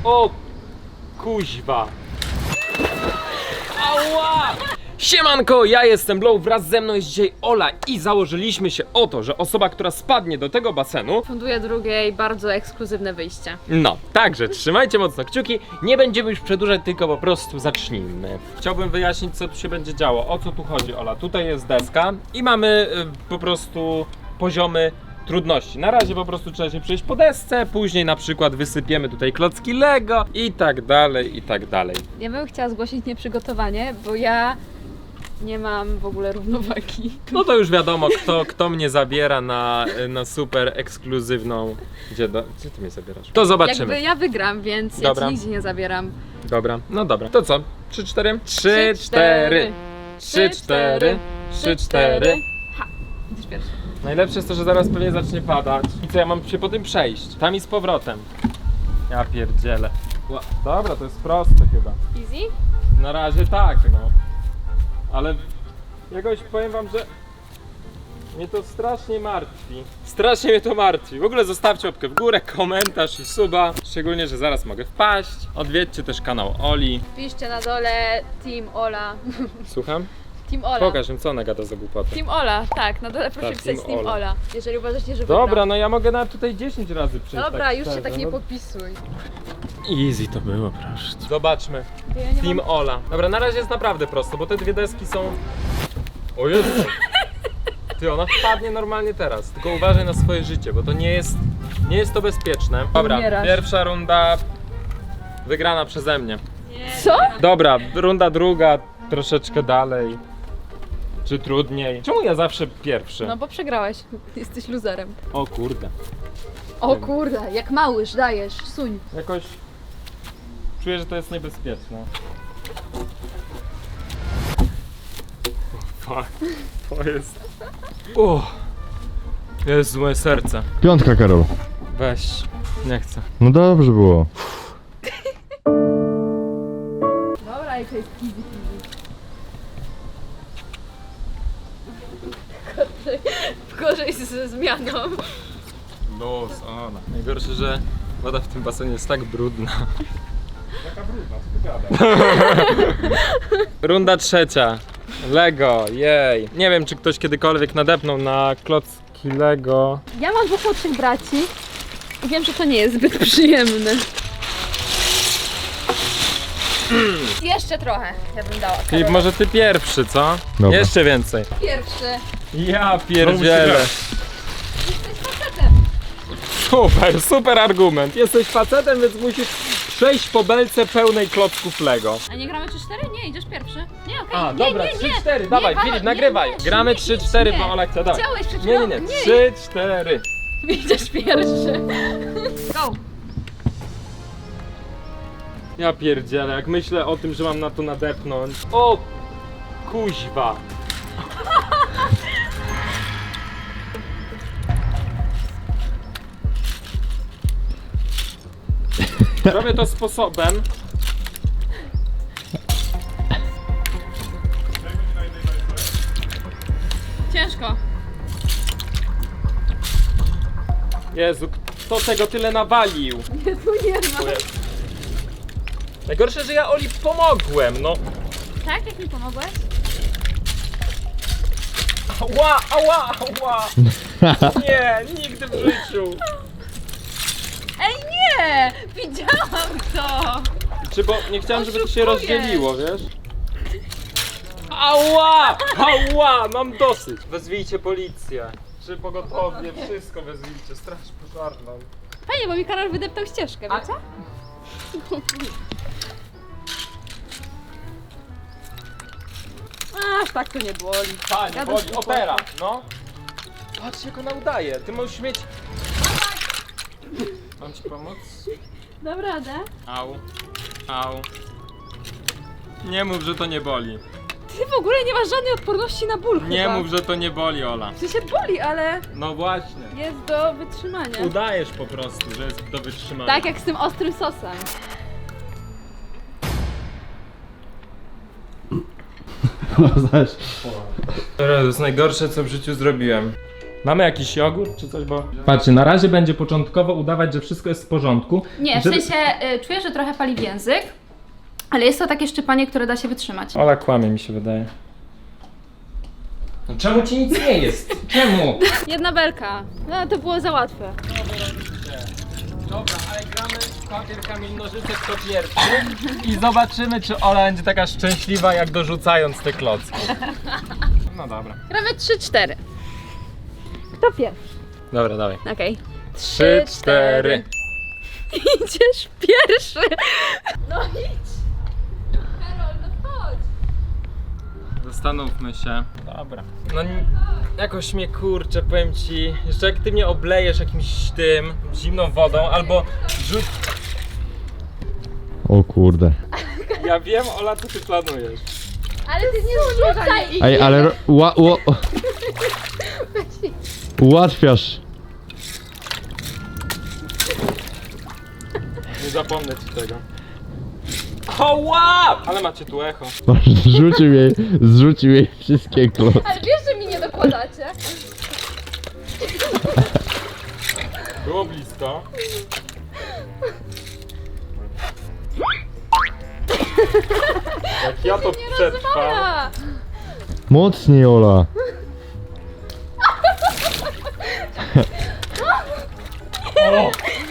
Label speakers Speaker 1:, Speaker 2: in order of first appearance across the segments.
Speaker 1: O kuźwa. Ała! Siemanko, ja jestem Blow, wraz ze mną jest dzisiaj Ola i założyliśmy się o to, że osoba, która spadnie do tego basenu
Speaker 2: Funduje drugiej bardzo ekskluzywne wyjście.
Speaker 1: No, także trzymajcie mocno kciuki, nie będziemy już przedłużać, tylko po prostu zacznijmy. Chciałbym wyjaśnić, co tu się będzie działo, o co tu chodzi, Ola. Tutaj jest deska i mamy po prostu poziomy trudności. Na razie po prostu trzeba się przejść po desce, później na przykład wysypiemy tutaj klocki Lego i tak dalej, i tak dalej.
Speaker 2: Ja bym chciała zgłosić nieprzygotowanie, bo ja nie mam w ogóle równowagi.
Speaker 1: No to już wiadomo, kto mnie zabiera na super ekskluzywną... Gdzie ty mnie zabierasz? To zobaczymy.
Speaker 2: Jakby ja wygram, więc
Speaker 1: Dobra.
Speaker 2: ja ci nigdzie nie zabieram.
Speaker 1: Dobra, no dobra. To co? 3-4? 3-4. 3-4. 3-4.
Speaker 2: Ha! Idziesz pierwszy.
Speaker 1: Najlepsze jest to, że zaraz pewnie zacznie padać. I co, ja mam się po tym przejść? Tam i z powrotem. Ja pierdzielę. Dobra, to jest proste chyba.
Speaker 2: Easy?
Speaker 1: Na razie tak, no. Ale jakoś powiem wam, że mnie to strasznie martwi. Strasznie mnie to martwi. W ogóle zostawcie łapkę w górę, komentarz i suba. Szczególnie, że zaraz mogę wpaść. Odwiedźcie też kanał Oli.
Speaker 2: Piszcie na dole Team Ola.
Speaker 1: Słucham?
Speaker 2: Team Ola.
Speaker 1: Pokaż im, co ona gada za głupotę.
Speaker 2: Team Ola, tak, na dole proszę
Speaker 1: Tak,
Speaker 2: pisać
Speaker 1: Team
Speaker 2: Team
Speaker 1: Ola.
Speaker 2: Ola. Jeżeli uważacie, że wygram.
Speaker 1: Dobra, no ja mogę nawet tutaj 10 razy przejść.
Speaker 2: Dobra,
Speaker 1: tak
Speaker 2: już się
Speaker 1: szczerze,
Speaker 2: tak nie
Speaker 1: no.
Speaker 2: podpisuj.
Speaker 1: Easy to było, proszę. Zobaczmy.
Speaker 2: Ja nie
Speaker 1: Team
Speaker 2: mam...
Speaker 1: Ola. Dobra, na razie jest naprawdę prosto, bo te dwie deski są... O Jezu! Ty, ona wpadnie normalnie teraz. Tylko uważaj na swoje życie, bo to nie jest to bezpieczne. Dobra,
Speaker 2: Umierasz.
Speaker 1: pierwsza runda wygrana przeze mnie.
Speaker 2: Co?
Speaker 1: Dobra, runda druga, troszeczkę dalej. Czy trudniej? Czemu ja zawsze pierwszy?
Speaker 2: No bo przegrałeś. Jesteś luzerem.
Speaker 1: O kurde.
Speaker 2: O kurde, jak małyż, dajesz, suń.
Speaker 1: Jakoś czuję, że to jest niebezpieczne. Fuck. To jest... Jezu, moje serce.
Speaker 3: Piątka, Karol.
Speaker 1: Weź. Nie chcę.
Speaker 3: No dobrze było.
Speaker 2: Dobra, jak to jest easy peasy. Gorzej ze zmianą.
Speaker 1: Los, ona. Najgorsze, że woda w tym basenie jest tak brudna. Jaka brudna? Co ty gadasz? Runda trzecia. Lego, jej. Nie wiem, czy ktoś kiedykolwiek nadepnął na klocki Lego.
Speaker 2: Ja mam dwóch młodszych braci i wiem, że to nie jest zbyt przyjemne. Jeszcze trochę, ja bym dała.
Speaker 1: Filip,
Speaker 2: Karol.
Speaker 1: może ty pierwszy, co?
Speaker 3: Dobra.
Speaker 1: Jeszcze więcej.
Speaker 2: Pierwszy.
Speaker 1: Ja pierdzielę.
Speaker 2: Jesteś facetem.
Speaker 1: Super, super argument. Jesteś facetem, więc musisz przejść po belce pełnej klocków Lego.
Speaker 2: A nie gramy 3-4? Nie, idziesz pierwszy. Nie, okej.
Speaker 1: A,
Speaker 2: nie,
Speaker 1: dobra,
Speaker 2: nie, nie.
Speaker 1: 3-4,
Speaker 2: Nie,
Speaker 1: dawaj,
Speaker 2: Paweł,
Speaker 1: Filip,
Speaker 2: nie,
Speaker 1: nagrywaj.
Speaker 2: nie,
Speaker 1: Gramy
Speaker 2: nie,
Speaker 1: 3-4,
Speaker 2: nie.
Speaker 1: bo Ola chce, dawaj.
Speaker 2: Chciałeś przed
Speaker 1: Nie,
Speaker 2: chwilą.
Speaker 1: nie, nie, 3-4.
Speaker 2: Idziesz pierwszy. Go.
Speaker 1: Ja pierdzielę, jak myślę o tym, że mam na to nadepnąć. O kuźwa. Robię to sposobem.
Speaker 2: Ciężko.
Speaker 1: Jezu, kto tego tyle nawalił?
Speaker 2: Jezu, nie ma.
Speaker 1: Najgorsze, że ja Oli pomogłem, no.
Speaker 2: Tak, jak mi pomogłeś?
Speaker 1: Ała, ała, ała. Nie, nigdy w życiu.
Speaker 2: Ej, nie! Widziałam to!
Speaker 1: Czy bo nie chciałem, żeby to się
Speaker 2: Oszukujesz.
Speaker 1: rozdzieliło, wiesz? Ała! Ała! Mam dosyć! Wezwijcie policję. Czy pogotowie, wszystko wezwijcie, straż pożarną.
Speaker 2: Fajnie, bo mi Karol wydeptał ścieżkę, wiecie? Aż tak to nie boli.
Speaker 1: Panie,
Speaker 2: Ja
Speaker 1: boli,
Speaker 2: bym-
Speaker 1: opera, no. Patrz jak ona udaje, ty możesz mieć... Mam ci pomóc?
Speaker 2: Dam radę.
Speaker 1: Au, au. Nie mów, że to nie boli.
Speaker 2: Ty w ogóle nie masz żadnej odporności na ból
Speaker 1: Nie
Speaker 2: chyba.
Speaker 1: mów, że to nie boli, Ola.
Speaker 2: Czy się boli, ale
Speaker 1: No właśnie.
Speaker 2: jest do wytrzymania.
Speaker 1: Udajesz po prostu, że jest do wytrzymania.
Speaker 2: Tak jak z tym ostrym sosem.
Speaker 3: Znasz.
Speaker 1: To jest najgorsze, co w życiu zrobiłem. Mamy jakiś jogurt czy coś, bo... Patrzcie, na razie będzie początkowo udawać, że wszystko jest w porządku.
Speaker 2: Nie, w
Speaker 1: żeby-
Speaker 2: sensie czuję, że trochę pali w język, ale jest to takie szczypanie, które da się wytrzymać.
Speaker 1: Ola kłamie, mi się wydaje. No czemu ci nic nie jest? Czemu?
Speaker 2: Jedna belka. No to było za łatwe.
Speaker 1: Dobra, ale gramy papier, kamień, nożyce kto pierwszy i zobaczymy, czy Ola będzie taka szczęśliwa, jak dorzucając te klocki. No dobra.
Speaker 2: Gramy 3-4. Kto pierwszy?
Speaker 1: Dobra, dawaj.
Speaker 2: Okej.
Speaker 1: 3, 4.
Speaker 2: Idziesz pierwszy. No idź. Karol, no chodź.
Speaker 1: Zastanówmy się. Dobra. No jakoś mnie kurczę, powiem ci, jeszcze jak ty mnie oblejesz jakimś tym, zimną wodą, albo rzuć...
Speaker 3: O kurde.
Speaker 1: Ja wiem, Ola, co ty planujesz.
Speaker 2: Ale ty nie zrzucaj.
Speaker 3: Ej, ale ułatwiasz.
Speaker 1: Nie zapomnę ci tego. Oła! Ale macie tu echo.
Speaker 3: Zrzucił jej wszystkie klocki.
Speaker 2: Ale wiesz, że mi nie dokładacie.
Speaker 1: Było blisko. Jak ja to przetrwam.
Speaker 2: Rozwala.
Speaker 3: Mocniej, Ola.
Speaker 1: O!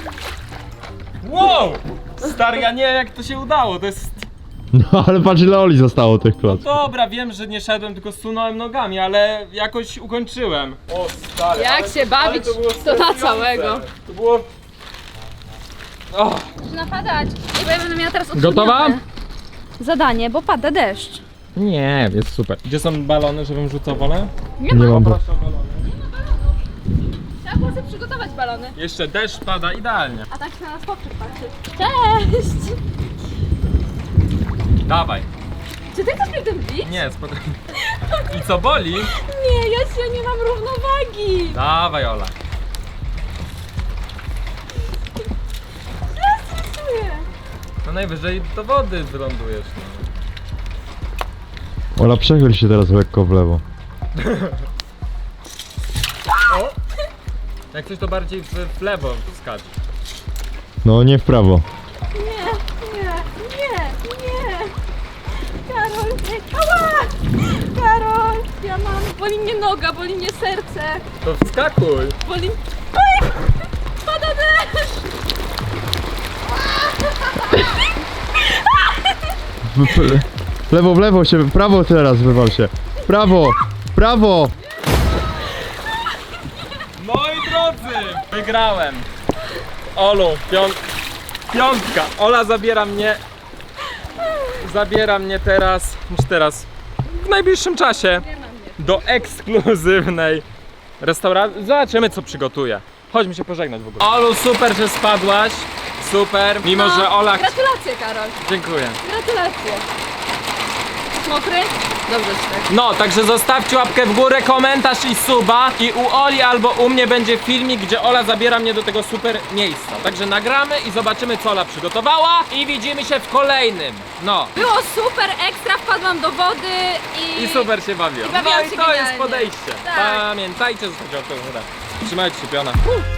Speaker 1: Wow! Stary, ja nie wiem jak to się udało, to jest...
Speaker 3: No ale patrz ile Oli zostało tych klocków.
Speaker 1: Dobra, wiem, że nie szedłem, tylko sunąłem nogami, ale jakoś ukończyłem. O stary,
Speaker 2: Jak
Speaker 1: ale,
Speaker 2: się bawić,
Speaker 1: ale to, było
Speaker 2: to na
Speaker 1: stresujące.
Speaker 2: całego.
Speaker 1: To było... O,
Speaker 2: Zaczyna padać. I bo ja będę miała teraz
Speaker 1: Gotowa?
Speaker 2: utrudnione zadanie, bo pada deszcz.
Speaker 1: nie, jest super. Gdzie są balony, żebym rzucał wolę?
Speaker 2: Nie
Speaker 3: Nie
Speaker 2: ma.
Speaker 3: mam.
Speaker 1: Proszę o balony.
Speaker 2: Trzeba było sobie przygotować balony.
Speaker 1: Jeszcze deszcz pada idealnie.
Speaker 2: A tak się na nas poprzek patrzy. Cześć!
Speaker 1: Dawaj.
Speaker 2: Czy ty chcesz mnie tym bić?
Speaker 1: Nie, spokojnie. I co boli?
Speaker 2: Nie, ja się nie mam równowagi.
Speaker 1: Dawaj, Ola.
Speaker 2: Stresuję.
Speaker 1: No najwyżej do wody wylądujesz. No.
Speaker 3: Ola, przechyl się teraz lekko w lewo.
Speaker 1: O! Jak coś to bardziej w lewo skacz.
Speaker 3: No nie w prawo.
Speaker 2: Nie. Karol, nie. Ała! Karol, ja mam. Boli mnie noga, boli mnie serce.
Speaker 1: To wskakuj.
Speaker 2: Boli... Oj! Pada deszcz!
Speaker 3: W lewo się, w prawo teraz wywal się. W prawo, w prawo.
Speaker 1: Moi drodzy, wygrałem. Olu, piątka. Ola zabiera mnie teraz, w najbliższym czasie do ekskluzywnej restauracji. Zobaczymy co przygotuje. Chodźmy się pożegnać w ogóle. Olu, super, że spadłaś. Super, mimo że Ola...
Speaker 2: Gratulacje, Karol.
Speaker 1: Dziękuję.
Speaker 2: Gratulacje. Mokry? Dobrze ci tak.
Speaker 1: No, także zostawcie łapkę w górę, komentarz i suba. I u Oli albo u mnie będzie filmik, gdzie Ola zabiera mnie do tego super miejsca. Także nagramy i zobaczymy, co Ola przygotowała. I widzimy się w kolejnym. No.
Speaker 2: Było super, ekstra, wpadłam do wody
Speaker 1: I super się bawiłem.
Speaker 2: I bawiłam
Speaker 1: No i
Speaker 2: się
Speaker 1: to jest
Speaker 2: genialnie.
Speaker 1: podejście.
Speaker 2: Tak.
Speaker 1: Pamiętajcie, zostawcie łapkę w górę. Trzymajcie się, piona.